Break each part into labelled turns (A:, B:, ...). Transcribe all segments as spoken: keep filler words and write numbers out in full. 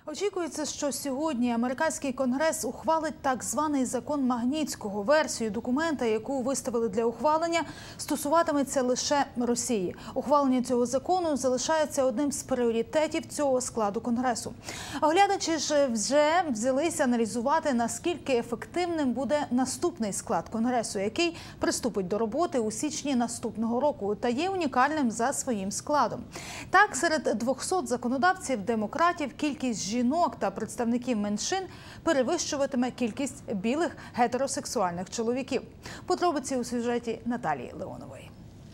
A: Очікується, що сьогодні американський конгрес ухвалить так званий закон Магнітського. Версію документа, яку виставили для ухвалення, стосуватиметься лише Росії. Ухвалення цього закону залишається одним з пріоритетів цього складу конгресу. Оглядачі ж вже взялися аналізувати, наскільки ефективним буде наступний склад конгресу, який приступить до роботи у січні наступного року та є унікальним за своїм складом. Так, серед двохсот законодавців демократів кількість жінок та представників меншин перевищуватиме кількість білих гетеросексуальних чоловіків. Подробиці у сюжеті Наталії Леонової.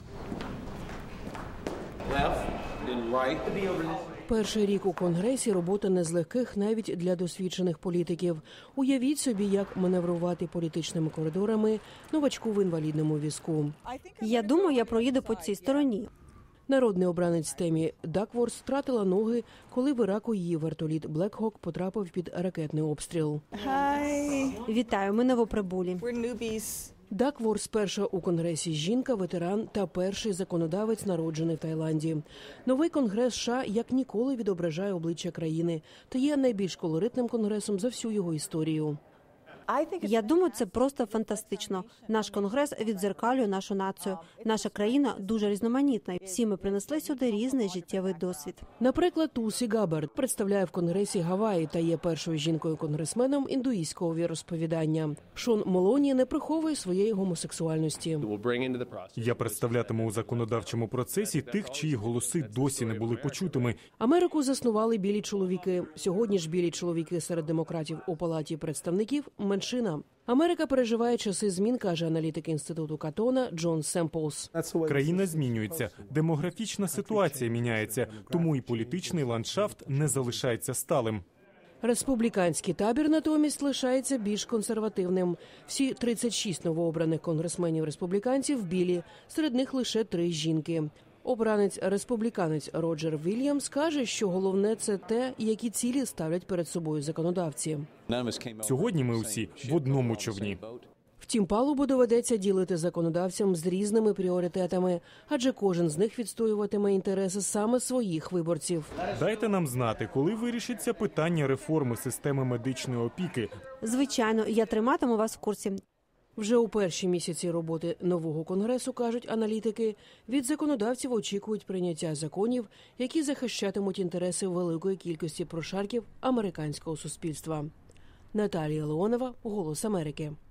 B: Перший рік у Конгресі робота не з легких навіть для досвідчених політиків. Уявіть собі, як маневрувати політичними коридорами новачку в інвалідному візку.
C: Я думаю, я проїду по цій стороні.
B: Народний обранець Темі Дакворс втратила ноги, коли в Іраку її вертоліт Блекхок потрапив під ракетний обстріл.
C: Hi. Вітаю, ми новоприбулі.
B: Дакворс – перша у Конгресі жінка, ветеран та перший законодавець, народжений в Таїланді. Новий Конгрес США як ніколи відображає обличчя країни та є найбільш колоритним конгресом за всю його історію.
C: Я думаю, це просто фантастично. Наш конгрес віддзеркалює нашу націю. Наша країна дуже різноманітна. Всі ми принесли сюди різний життєвий досвід.
B: Наприклад, Тулсі Габбард представляє в Конгресі Гаваї та є першою жінкою-конгресменом індуїзького віросповідання. Шон Молоні не приховує своєї гомосексуальності.
D: Я представлятиму у законодавчому процесі тих, чиї голоси досі не були почутими.
B: Америку заснували білі чоловіки. Сьогодні ж білі чоловіки серед демократів у Палаті представників – меншина. Америка переживає часи змін, каже аналітик інституту Катона Джон Семплс.
D: Країна змінюється, демографічна ситуація міняється, тому і політичний ландшафт не залишається сталим.
B: Республіканський табір натомість лишається більш консервативним. Всі тридцять шість новообраних конгресменів-республіканців білі, серед них лише три жінки. Обранець-республіканець Роджер Вільямс каже, що головне – це те, які цілі ставлять перед собою законодавці.
D: Сьогодні ми усі в одному човні.
B: Втім, палубу доведеться ділити законодавцям з різними пріоритетами, адже кожен з них відстоюватиме інтереси саме своїх виборців.
D: Дайте нам знати, коли вирішиться питання реформи системи медичної опіки.
C: Звичайно, я триматиму вас в курсі.
B: Вже у перші місяці роботи нового конгресу, кажуть аналітики, від законодавців очікують прийняття законів, які захищатимуть інтереси великої кількості прошарків американського суспільства. Наталія Леонова, «Голос Америки».